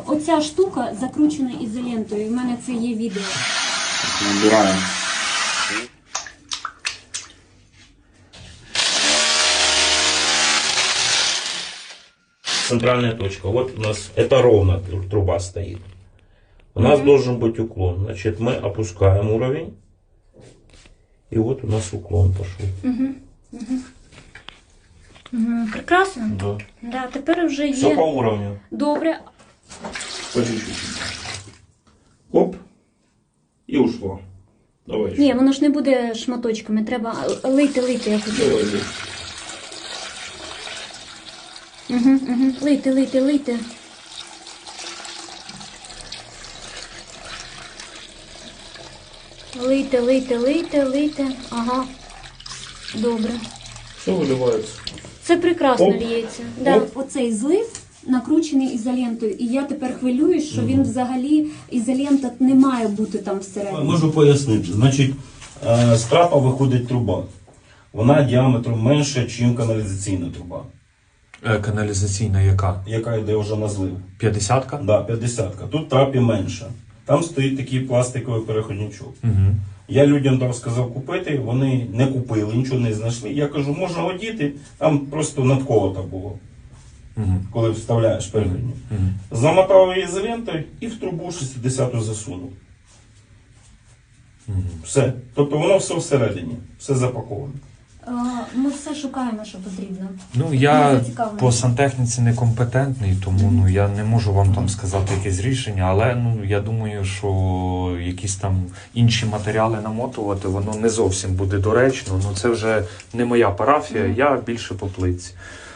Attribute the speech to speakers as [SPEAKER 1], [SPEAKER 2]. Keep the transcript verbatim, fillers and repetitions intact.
[SPEAKER 1] оця штука закручена ізолентою. У мене це є відео.
[SPEAKER 2] Набираємо. Центральная точка. Вот у нас это ровно труба стоит. У нас mm-hmm. должен быть уклон. Значит, мы опускаем уровень. И вот у нас уклон пошел.
[SPEAKER 1] Угу. Угу. Угу. Прекрасно.
[SPEAKER 2] Да.
[SPEAKER 1] Да, тепер вже є.
[SPEAKER 2] Все по уровню.
[SPEAKER 1] Добре.
[SPEAKER 2] По чуть-чуть. Оп. И ушло. Давай еще.
[SPEAKER 1] Ні, воно ж не буде шматочками. Треба лийте, лийте, я хочу.
[SPEAKER 2] Давай, лей.
[SPEAKER 1] Угу, угу. Лийте, лийте, лийте. Лийте, лийте, лийте, лийте. Ага. Добре.
[SPEAKER 2] Все виливається.
[SPEAKER 1] Це прекрасно
[SPEAKER 2] Оп.
[SPEAKER 1] ліється. Да.
[SPEAKER 2] Оп.
[SPEAKER 1] Оцей злив накручений ізолентою. І я тепер хвилююсь, що він взагалі, ізолента не має бути там всередині.
[SPEAKER 2] Можу пояснити. Значить, з трапа виходить труба. Вона діаметром менше, ніж каналізаційна труба.
[SPEAKER 3] Е, Каналізаційна яка?
[SPEAKER 2] Яка йде вже на злив.
[SPEAKER 3] п'ятдесятка?
[SPEAKER 2] Да, п'ятдесятка. Тут трапі менше. Там стоїть такий пластиковий переходничок.
[SPEAKER 3] Угу.
[SPEAKER 2] Я людям там сказав купити, вони не купили, нічого не знайшли. Я кажу, можна одіти, там просто надколото було,
[SPEAKER 3] Угу.
[SPEAKER 2] коли вставляєш переходник.
[SPEAKER 3] Угу.
[SPEAKER 2] Замотав її ізолентою і в трубу шістдесяту засунув.
[SPEAKER 3] Угу.
[SPEAKER 2] Все. Тобто воно все всередині, все запаковане.
[SPEAKER 1] Ми все шукаємо, що потрібно.
[SPEAKER 3] Ну,
[SPEAKER 1] Ми
[SPEAKER 3] я
[SPEAKER 1] зацікавлені.
[SPEAKER 3] по сантехніці некомпетентний, тому ну, я не можу вам там сказати якесь рішення, але ну, я думаю, що якісь там інші матеріали намотувати, воно не зовсім буде доречно. Ну, це вже не моя парафія, я більше по плитці.